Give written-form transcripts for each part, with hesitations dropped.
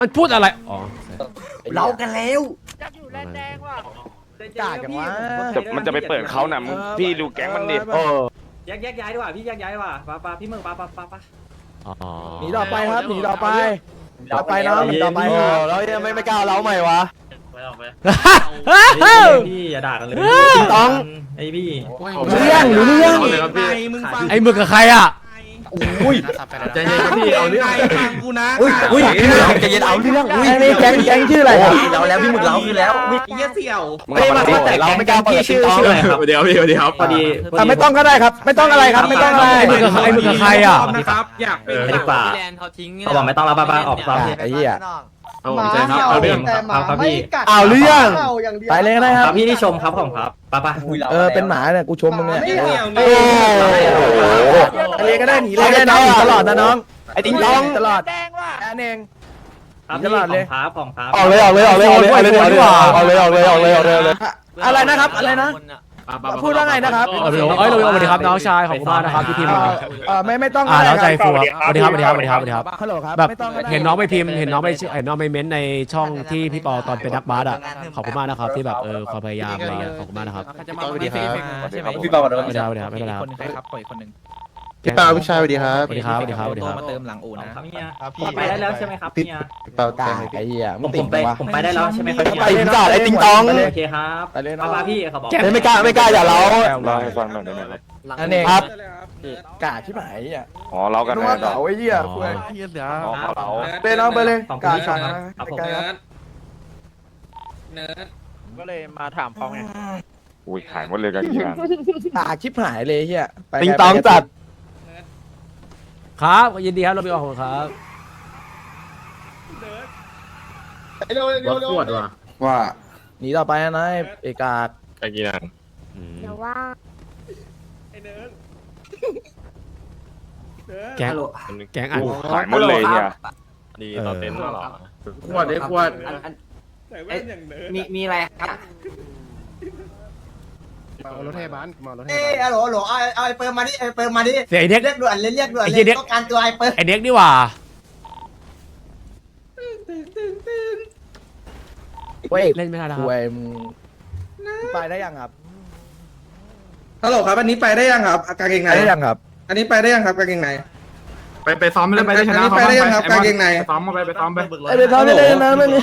มันพูดอะไรอ๋อเรากันแล้วอยากอยู่แลนด์แดงว่ะกากันวะมันจะไปเปิดเขาน่ะมึงพี่ดูแก๊งมันดิแยกย้ายดีกว่าพี่แยกย้ายดีกว่าปะพี่เมืองปะอ๋อหนีต่อไปครับหนีต่อไปต่อไปน้องหนีต่อไปแล้วยังไม่กล้าเล้าใหม่วะพี่อย่าด่ากันเลยต้องไอพี่รู้เรื่องไอ้มึงกับใครอ่ะใจเย็นครับพี่เอาเรื่องกูนะอุ้ยใจเย็นเอาเรื่องอุ้ยนี่แก๊งชื่ออะไรครับเราแล้วพี่หมึกเราคือแล้วเยี่ยเสี่ยวมึงเอามาดิแต่เราไม่กล้าเปิดชื่ออะไรครับเดี๋ยวพี่เดี๋ยวพอดีไม่ต้องก็ได้ครับ ไม่ต้องอะไรครับไม่ต้องอะไรไอ้มึงกับใครอ่ะนะครับอยากเป็นดีกว่าเขาบอกไม่ต้องรับป้าออกป้าพี่ไอ้เหี้ยเอาใจครับเอาเรื่องครับพี่เอาเรื่องไปเลยได้คครัรับบพี่ที่ชมครับของครับป้าเป็นหมาเนี่ยกูชมมึงเนี่ยโอ้เรียนก็ได้หนีเลยได้น้องตลอดนะน้องไอ้ติ๊งต้องตลอดแดงว่ะแค่เองครับพี่ของครับออกเลยอะไรนะครับอะไรนะพูดว่าไงนะครับเอ้ยเราสวัสดีครับน้องชายขอบคุณมากนะครับที่พิมพ์มาไม่ต้องแล้วใจฟูครับสวัสดีครับฮัลโหลครับแบบไม่ต้องเห็นน้องไปพิมพ์เห็นน้องไปเม้นในช่องที่พี่ปอตอนเป็นนักบาสอ่ะขอบคุณมากนะครับที่แบบความพยายามอะไรขอบคุณมากนะครับสวัสดีครับพี่เปาสวัสดีครับไม่เป็นไรครับครับปล่อยคนหนึ่งพี่เปาพี่ชายสวัสดีครับสวัสดีครับสวัสดีครับสวัสดีครับมาเติมหลังอู่นะครับเนี่ยผมไปได้แล้วใช่ไหมครับเนี่ยพี่เปากาไอ้เหี้ยผมไปได้แล้วใช่ไหมครับไปถึงก่อนไอ้ติ๊งตองโอเคครับป้าพี่เขาบอกไม่กล้าอย่าเล้าเล่าให้ฟังหน่อยได้ไหมครับอันนี้ครับกาที่ไหนอ่ะอ๋อเล่ากันนึกไงว่าต่อเก๋าไอ้เหี้ยอ๋อเขาไปน้องไปเลยของกาพี่ชมครับครับผมก็เลยมาถามเขาไงอุ้ยขายหมดเลยกันกี่งานกาชิบหายเลยเหี้ยติ๊งตองจัดครับยินดีครับเราไปออกครับวัดขวดว่ะว่าหนีต่อไปนะเอกาไปกี่นานเดี๋ยวว่าแก๊งอัดขายหมดเลยเนี่ยดีต่อเต็นท์เหรอขวดได้ขวดมีอะไรครับรถเทบ้านมารถเทเอ้ยฮัลโหลเอาไอ้เปิร์มาดิไอ้เปิร์มาดิเสียไอเด็กเรียกด่วนเลยต้องการตัวไอ้เปิร์ไอเด็กนี่หว่าเว้ยเล่นไม่ได้แล้วคคุรับยมึงไปได้ยังครับฮัลโหลครับอันนี้ไปได้ยังครับกางเกงในไปได้ยังครับอันนี้ไปได้ยังครับกางเกงในไปซ้อมไม่ได้ไปได้ชนะไปได้ยังครับกางเกงในซ้อมมาไปซ้อมไปไอ้ไปทำไปเลยนะไม่มี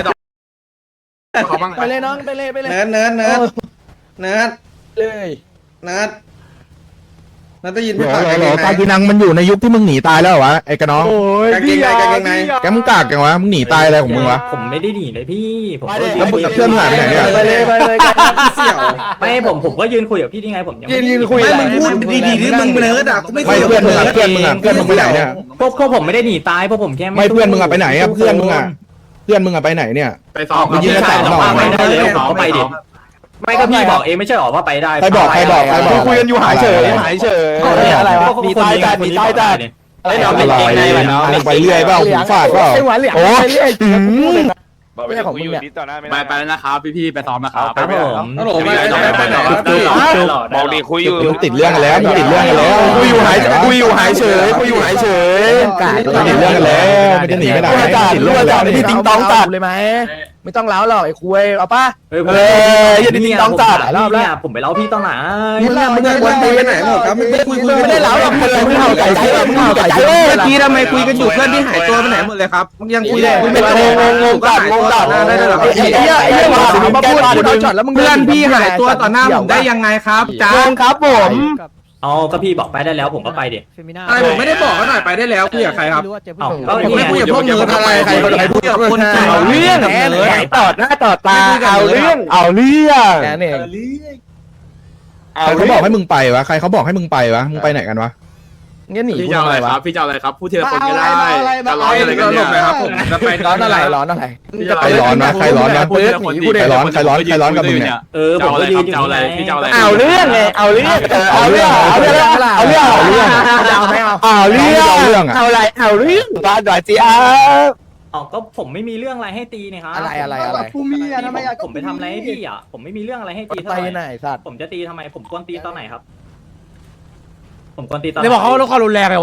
เขาบ้างไปเลยน้องไปเลยเนิร์ดเนิร์ดเนิร์ดเนิร์ดเลยเนิร์ดเนิร์ดได้ยินพี่ปากกางเกงในกากินังมันอยู่ในยุคที่มึงหนีตายแล้วเหรอวะไอ้กระน้องโอ้ยกางเกงในกางเกงในแกมึงกากจังวะมึงหนีตายอะไรของมึงวะผมไม่ได้หนีเลยพี่ผมแล้วมึงกับเพื่อนหายไปไหนเนี่ยไปเลยเสี่ยวไม่ผมก็ยืนคุยกับพี่นี่ไงผมยังยืนคุยไม่มึงพูดดีๆที่มึงเนิร์ดอ่ะกูไม่ไม่เพื่อนมึงอะเพื่อนมึงอะเพื่อนมึงไปไหนเนี่ยพวกผมไม่ได้หนีตายพวกผมแค่ไม่เพื่อนมึงอะไปไหนอะเพื่อนมึงอะเพื่อนมึงอะไปไหนเนี่ยไปซ้อมไปยืนกันต่อไปได้เลยผมก็ไปดิไม่ก็พี่บอกเองไม่ใช่หรอว่าไปได้ใครบอกคุยกันอยู่หายเฉยอะไรวะมีตายจัดมีตายจัดไอ้น้องอเป็นร่อยเกงในเนาะมันไปเรื่อยเปล่าหูฝาดเปล่าไอ้หวานเหลียงโอ้ไปเรื่อยบอกไปคุยอยู่นิดต่อหน้าไม่ไปได้ไปแล้วนะครับพี่ๆไปซ้อมนะครับครับผมฮัลโหลไปไหนครับพี่บอกดีคุยอยู่มึงติดเรื่องกันแล้วมึงติดเรื่องกันแล้วคุยอยู่หายเฉยติดเรื่องกันแล้วไม่ได้หนีไปไหนติดเรื่องกันแล้วนี่ติ๊งตองจัดเลยไหมไม่ต้องเล้าหรอกไอ้คุยเอาป่ะอย่าดิ้นต้องจัดรอบแล้วผมไปเล่าพี่ตอนไหนมึงอะมึงคุยไปไหนหมดครับไม่ได้คุยไม่ได้เล้าหรอกมึงเลยมึงเห่าไก่ใจมึงเห่าไก่ใจเมื่อกี้ทำไมคุยกันอยู่เพื่อนที่หายตัวไปไหนหมดเลยครับยังคุยเลยไม่งงจัดได้หรอไอ้เหี้ยมาพูดเอาช็อตแล้วมึงเพื่อนพี่หายตัวต่อหน้าผมได้ยังไงครับจ้าครับผมเอาก็พี่บอกไปได้แล้วผมก็ไปดิอะไรผมไม่ได้บอกเขาหน่อยไปได้แล้วคุยกับใครครับเอาก็ผมไม่คุยกับพวกเนิร์ดอะไรใครคุยกับคนเอาเรื่องไหนต่อหน้าต่อตาเอาเรื่องแค่นี้ใครเขาบอกให้มึงไปวะใครเขาบอกให้มึงไปวะมึงไปไหนกันวะงั้นหนีพี่กูจะเอาทำอะไมไรวะครับพี่จะเอาอะไรครับพูดทีละคนก็ได้จะร้อนอะอะไร ไรกักัน นหลเนี่ยบนะครับผมจะไปร้อนอะไรร้อนอะไรใครร้อนนะใครร้อนนะพูดทีละคนดิใครร้อนกับมึงเนี่ยผมก็ยืนอยู่จะเอาอะไรพี่จะเอาอะไรเอาเรื่องไงเอาเรื่องเอาเรื่องเอาเรื่องเอาเรื่องเอาเรื่องเอาไม่เอาเอาเรื่องเอาอะไรเอาเรื่องบ้านหน่อยสิอ้าอ๋อก็ผมไม่มีเรื่องอะไรให้ตีนี่ครับอะไรผู้มีอะทำไมอะผมไปทำอะไรให้พี่อ่ะผมไม่มีเรื่องอะไรให้ตีไปเท่าไหไหนร่สัตว์ผมจะตีทำไมผมกวนตีตอนไหนครับ ผมกวนตีตอนได้บอกเขาลดความรุนแรงเลยวะ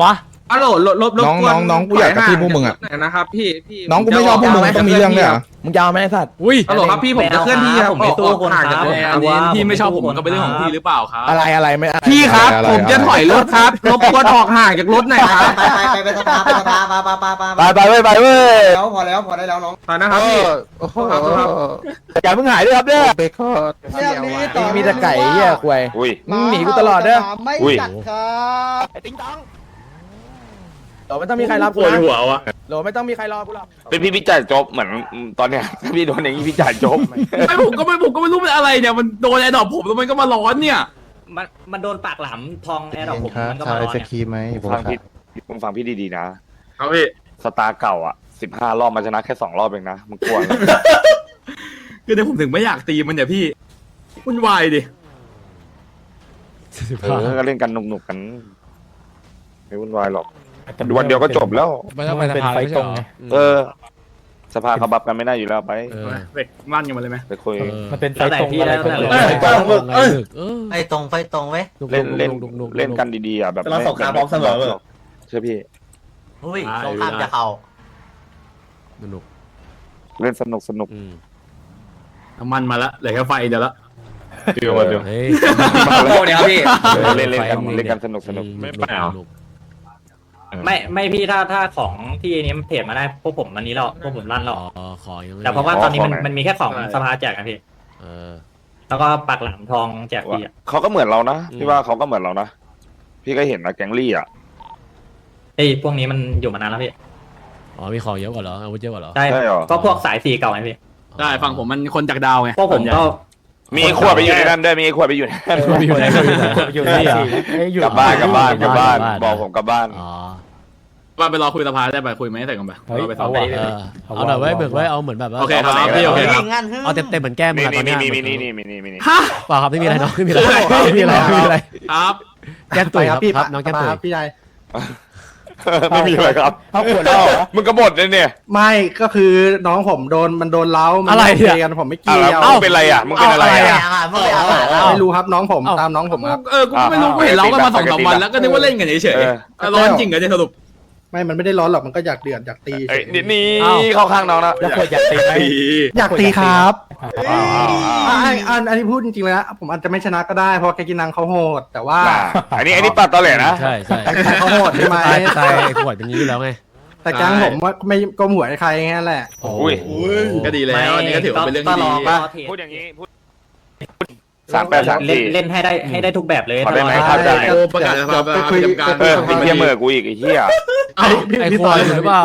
ฮัลโหลลบน้องกูอยากกระทืบพวกมึงอ่ะนะครับพี่น้องกูไม่ชอบพวกมึงต้องมีเรื่องเลยอ่ะมึงจะเอาไหมไอ้สัตว์อุ้ยฮัลโหลครับพี่ผมจะเคลื่อนที่ครับผมไม่ตู้คนห่างคจากรับอันนี้พี่ไม่ชอบผมก็เป็นเรื่องของพี่หรือเปล่าครับอะไรไม่พี่ครับอะไรผมจะถอยรถครับรบกวนออกห่างจากรถหน่อยครับไปสภาไปเว้ยไปเว้ยแล้วพอได้แล้วน้องไปนะครับพี่โอ้โหอย่าเพิ่งหายด้วยครับเนี่ยเบคอนเรื่องนี้ต่อมีแต่ไก่เหี้ยควยอุ้ยมึงหนีกูตลอดเด้อไม่อุ้ยจัดครับไอ้ติ๊งต้องโหลไม่ต้องมีใครรับปกูวดนะหัววะโหลไม่ต้องมีใครรอกูหรอกเป็นพี่จ่ายจบเหมือนตอนเนี้ยถ้าพี่โดนอย่างนี้พี่จ่ายจบไม่ผมก็ไม่รู้เป็นอะไรเนี่ยมันโดนไอ้ดอกผมแล้วมันก็มาร้อนเนี่ยมันโดนปากหลามทองแอร์ดอกผมมันก็ชาวมาไอร้อนศเนี่ยครีมไหมผมฟังครัพี่บมึงฟังพี่ดีๆนะเอาพี่สตาร์เก่าอ่ะ15 รอบมาชนะแค่2 รอบเองนะมึงกลัวไหมคือเดี๋ยวผมถึงไม่อยากตีมันเนี่ยพี่วุ่นวายดิก็เล่นกันหนุกๆกันไม่วุ่นวายหรอกวันเดียวก็จบแล้วไม่ต้องไปสภาไม่ใช่เหรอเออ สภาเขาบับกันไม่ได้อยู่แล้วไปเออเด็กมั่นกันมาเลยไหมไปคุยมันเป็นไฟแล้วแต่ตรงพี่อะไรแล้วแต่เลยเออไอ้ตรงไฟตรงไว้เล่นกันดีๆอ่ะแบบเราสงครามพร้อมเสมอเชื่อพี่อุ้ยสงครามจะเข้าสนุกเล่นสนุกน้ำมันมาละเหลือแค่ไฟเดียวละเดี๋ยวมาเดี๋ยวเฮ้ยโอ้เนี่ยครับพี่เล่นกันสนุกไม่เปล่าไม่พี่ถ้าของที่นี้เพจมาได้พวกผมวันนี้เราพวกผมลั่นหรอกขอยังไม่แต่เพราะว่าตอนนี้มันมีแค่ของสภาแจกนะพี่เออแล้วก็ปากหลามทองแจกฟรีอ่ะเขาก็เหมือนเรานะพี่ว่าเขาก็เหมือนเรานะพี่ก็เห็นนะแก๊งลี่อ่ะไอ้พวกนี้มันอยู่มานานแล้วพี่อ๋อมีของเยอะกว่าเหรออาวุธเยอะกว่าเหรอใช่ใช่หรอก็พวกสายสีเก่าไงพี่ได้ฝั่งผมมันคนจากดาวไงพวกผมก็มีขวดไปอยู่ในนั้นด้วยมีขวดไปอยู่ในนั้นมีอยู่ไหนอยู่ไหนกลับบ้านบอกผมกลับบ้านอ๋อว่าไปรอคุยสภาได้ไปคุยไหมแต่กันไปเราไปซ้อมไปเอาหน่อยไว้เบิกไว้เอาเหมือนแบบว่าโอเคครับพี่โอเคครับเอาเต็มเหมือนแก้มมึงนี่อะตอนเนี้ยนี่ฮะเปล่าครับไม่มีอะไรน้องไม่มีอะไรไม่มีอะไรไม่มีอะไรครับแก้มตุ๋ยครับน้องแก้มตุ๋ยพี่ชายไม่มีอะไรครับเขาขวดแล้วเหรอมึงกบฏเลยเนี่ยไม่ก็คือน้องผมโดนเล้ากันผมไม่เกี่ยวมึงเป็นอะไรอ่ะมึงเป็นอะไรอ่ะไม่รู้ครับน้องผมตามน้องผมครับกูไม่รู้กูเห็นเรากันมา2-3 วันแล้วก็นึกว่าเล่นกันเฉยๆร้อนจริงเหรอเนี่ยสรุปไม่มันไม่ได้ร้อนหรอกมันก็อยากเดือดอยากตีนี่เข้าข้างน้องนะแล้วขวดอยากตีไหมอยากตีครับอันนี้พูดจริงๆเลยนะผมอาจจะไม่ชนะก็ได้เพราะแกกินนังเขาโหดแต่ว่าอันนี้ปัดตอแหลนะใช่ใช่เขาโหดใช่ไหมตายไอ้ขวดเป็นอย่างนี้อยู่แล้วไงแต่แก๊งผมว่าไม่ก้มหัวให้ใครแค่นั้นแหละอุ้ยก็ดีแล้วอันนี้ก็ถือว่าเป็นเรื่องที่ดีพูดอย่างนี้พูด3834 เล่นให้ได้ทุกแบบเลยขอได้ไหมถ้าครับได้โอ้ประกาศสภาประจำการไอ้เหี้ยเมื่อกูอีกไอ้เหี้ยไอ้ขวดอยู่หรือเปล่า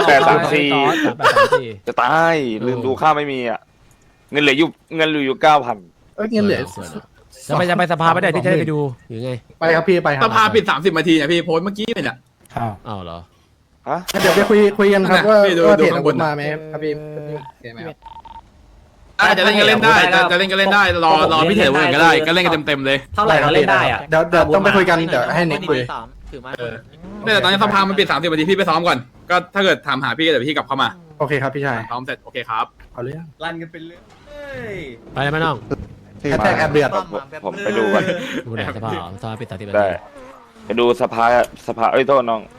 3834 จะตายลืมดูค่าไม่มีอ่ะเงินเหลืออยู่9,000 เงินเหลือจะไปสภาไม่ได้ที่จะได้ไปดูหรือไงไปครับพี่ไปครัสภาปิด30 นาทีเนี่ยพี่โพสต์เมื่อกี้เนี่ยอ้าวเหรอฮะเดี๋ยวไปคุยกันครับว่าเพจอาวุธมาไหมครับพี่จะเล่นก็เล่นได้จะเล่นก็เล่นได้รอพี่เถอะวันก็ได้ก็เล่นกันเต็มๆเลยเท่าไหร่ก็เล่นได้อ่ะเดี๋ยวต้องไปคุยกันเดี๋ยวให้เน็กคุยแต่ตอนนี้สภามันปิด30 นาทีพี่ไปซ้อมก่อนก็ถ้าเกิดถามหาพี่เดี๋ยวพี่กลับเข้ามาโอเคครับพี่ชายซ้อมเสร็จโอเคครับเอาเรื่องลั่นกันเป็นเรื่องไปเลยไหมน้องแฮชแท็กแอบเดือดผมไปดูกันดูไหนสภาปิด30 นาได้ทีไปดูสภาเอ้ยโทษน้อง